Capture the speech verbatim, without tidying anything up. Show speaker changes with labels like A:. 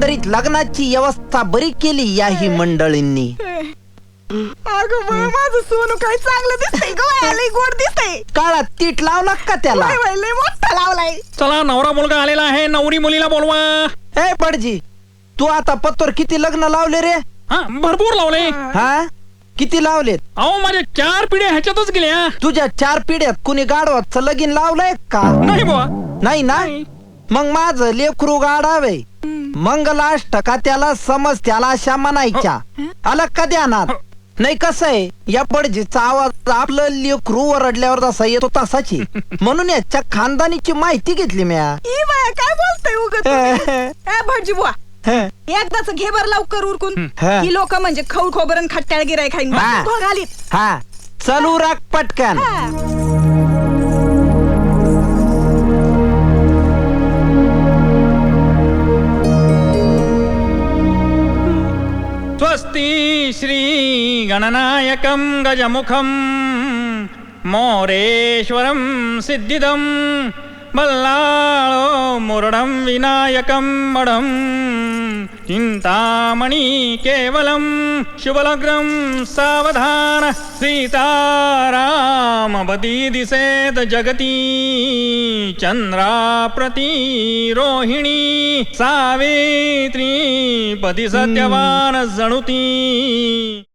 A: एकंदरीत लग्नाची व्यवस्था बरी केली याही मंडळींनी.
B: अगं बाई, माझं सोनू काय चांगलं दिसतंय ग, लय गोड दिसतंय.
A: काळात तीट लावला का त्याला?
B: वय वय लय मोठा लावलाय.
C: चला नवरा मुलगा आलेला आहे, नवरी मुलीला बोलवा.
A: ए बडजी, तू आता पत्तर किती लग्न लावले रे?
C: हा भरपूर लावले.
A: हा किती लावलेत?
C: अहो माझ्या चार पिढ्या ह्याच्यातच गेल्या.
A: तुझ्या चार पिढ्यात कुणी गाढवाचं लगीन लावलंय का?
C: नाही बुवा.
A: नाही ना. मग माझं लेकरू गाडावे मंगलाष्टका त्याला समज त्याला अशा म्हणायच्या. आला का ध्यानात? नाही कसं आहे, या बडजीचा आवाज आपलं लेकरू ओरडल्यावर जसा येतो तसाची. म्हणून याच्या खानदानीची माहिती घेतली म्या.
B: ई बाया काय बोलतोय उगत. ए भटजी बुवा, एकदाच घे बर लवकर उरकून.
A: हा.
B: ही लोक म्हणजे खौल खोबरन खट्ट्याळ गिराय खाईन
A: हा.
B: घालीत.
A: हा चलू राख पटकन.
C: स्वस्ति श्री गणनायकं गजमुखं मोरेश्वरं सिद्धिदं बल्लाळो मुरडं विनायकं मडं चिंतामणि केवलं शुभलग्नं सावधान सीतारामवती दिसेत जगती चंद्राप्रती रोहिणी सावित्री पती सत्यवान जणुती.